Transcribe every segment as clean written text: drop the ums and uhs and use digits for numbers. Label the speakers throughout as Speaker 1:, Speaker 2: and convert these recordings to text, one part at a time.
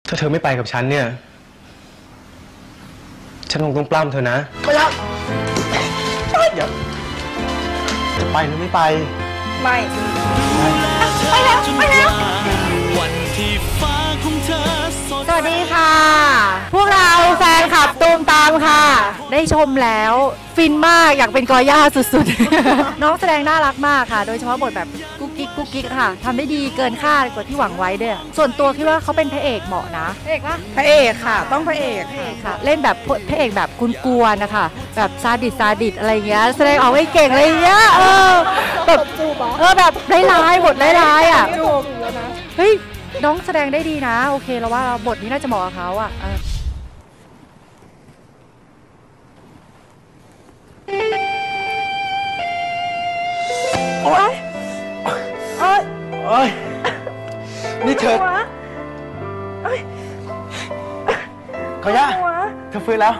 Speaker 1: ถ้าเธอไม่ไปกับฉันเนี่ยฉันคงต้องปล้ำเธอนะไม่รับเดี๋ยวจะไปหรือไม่ไป
Speaker 2: ไม่ไปแล้วไปแล้วสวัสดีค่ะพวกเราแฟนคลับตูมตามค่ะได้ชมแล้วฟินมากอยากเป็นกอย่าสุดๆ น้องแสดงน่ารักมากค่ะโดยเฉพาะบทแบบกุ๊กกิ๊กค่ะทำได้ดีเกินคาดกว่าที่หวังไว้ด้วยส่วนตัวคิดว่าเขาเป็นพระเอกเหมาะนะพระเอกปะ
Speaker 3: พระเอกค่ะต้องพระเอก
Speaker 2: ค่ะเล่นแบบพระเอกแบบกวนๆนะคะแบบซาดิสอะไรเงี้ยแสดงออกไม่เก่งอะไรเงี้ยแบบแบบร้ายๆบทร้ายๆอ่ะเฮ้ยน้องแสดงได้ดีนะโอเคแล้วว่าบทนี้น่าจะเหมาะกับเขาอ่ะ
Speaker 3: โอ๊ยโอ๊ย
Speaker 1: โอ๊ยนี่เธอเขาย่าเธอฟื้นแล้ว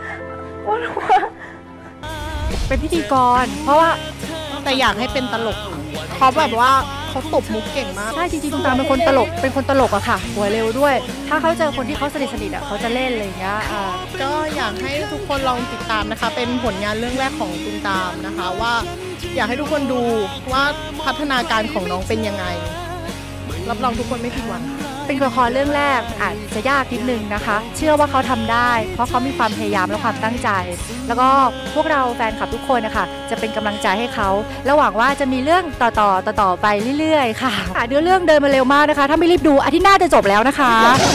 Speaker 2: เป็นพิธีกรเพราะว่า
Speaker 3: แต่อยากให้เป็นตลกเขาแบบว่าเขาตบมุกเก่งมาก
Speaker 2: ใช่จริงๆตูมตามเป็นคนตลกอะค่ะหัวเร็วด้วยถ้าเขาเจอคนที่เขาสนิทอะเขาจะเล่นอะไรอย่างเงี้ย
Speaker 3: ก็อยากให้ทุกคนลองติดตามนะคะเป็นผลงานเรื่องแรกของตูมตามนะคะว่าอยากให้ทุกคนดูว่าพัฒนาการของน้องเป็นยังไงรับรองทุกคนไม่ผิดหวัง
Speaker 2: เป็นละครเรื่องแรกอาจจะยากนิดนึงนะคะเชื่อว่าเขาทำได้เพราะเขามีความพยายามและความตั้งใจแล้วก็พวกเราแฟนคลับทุกคนนะคะจะเป็นกำลังใจให้เขาและหวังว่าจะมีเรื่องต่อไปเรื่อยๆค่ะเนื้อเรื่องเดินมาเร็วมากนะคะถ้าไม่รีบดูอาทิตย์หน้าจะจบแล้วนะคะ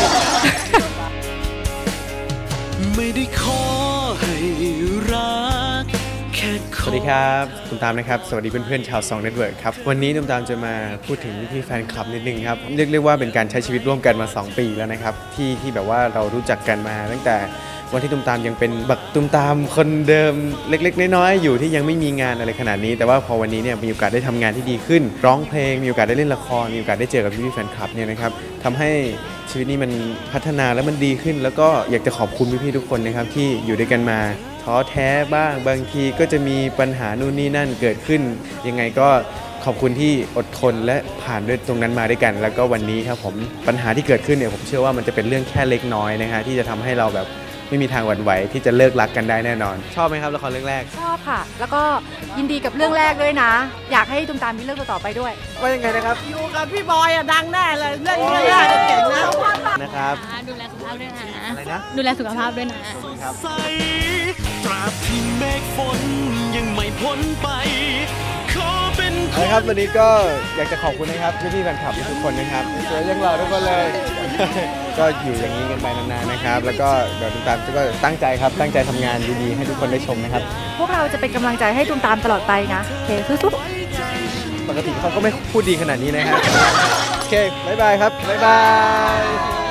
Speaker 4: ไม่ได้ขอให้รัก
Speaker 1: สวัสดีครับตูมตามนะครับสวัสดีเพื่อนๆชาว2 Network ครับวันนี้ตูมตามจะมาพูดถึงพี่แฟนคลับนิดนึงครับเรียกว่าเป็นการใช้ชีวิตร่วมกันมา2 ปีแล้วนะครับที่แบบว่าเรารู้จักกันมาตั้งแต่วันที่ตูมตามยังเป็นบักตูมตามคนเดิมเล็กๆน้อยๆอยู่ที่ยังไม่มีงานอะไรขนาดนี้แต่ว่าพอวันนี้เนี่ยมีโอกาสได้ทำงานที่ดีขึ้นร้องเพลงมีโอกาสได้เล่นละครมีโอกาสได้เจอกับพี่แฟนคลับเนี่ยนะครับทำให้ชีวิตนี้มันพัฒนาแล้วมันดีขึ้นแล้วก็อยากจะขอบคุณพี่ๆทุกคนนะครับที่อยู่ด้วยกันมาท้อแท้บ้างบางทีก็จะมีปัญหานู่นนี่นั่นเกิดขึ้นยังไงก็ขอบคุณที่อดทนและผ่านด้วยตรงนั้นมาด้วยกันแล้วก็วันนี้ครับผมปัญหาที่เกิดขึ้นเนี่ยผมเชื่อว่ามันจะเป็นเรื่องแค่เล็กน้อยนะฮะที่จะทำให้เราแบบไม่มีทางหวั่นไหวที่จะเลิกรักกันได้แน่นอนชอบไหมครับละครเรื่องแรก
Speaker 2: ชอบค่ะแล้วก็ยินดีกับเรื่องแรกด้วยนะอยากให้ตูมตามมีเรื่องต่อไปด้วย
Speaker 1: ว่ายังไงนะครับ
Speaker 3: อยู่กับพี่บอยอะดังแน่เลยเรื่องแรกเก่ง
Speaker 1: นะครับ
Speaker 5: ดูแลสุขภาพด้วยนะ
Speaker 1: อะไรนะ
Speaker 5: ดูแลสุขภาพด้วยนะ
Speaker 4: ตราบที่เมฆฝนยังไม่พ้นไป
Speaker 1: ครับวันนี้ก็อยากจะขอบคุณนะครับพี่ๆแฟนคลับทุกคนนะครับสวยยังหล่อทุกคนเลยก็อยู่อย่างนี้กันไปนานๆนะครับแล้วก็เดี๋ยวตูมตามก็ตั้งใจครับตั้งใจทำงานดีๆให้ทุกคนได้ชมนะครับ
Speaker 2: พวกเราจะเป็นกำลังใจให้ตูมตามตลอดไปนะโอเคสู้
Speaker 1: ๆปกติเขาก็ไม่พูดดีขนาดนี้นะครับโอเคบ๊ายบายครับบ๊ายบาย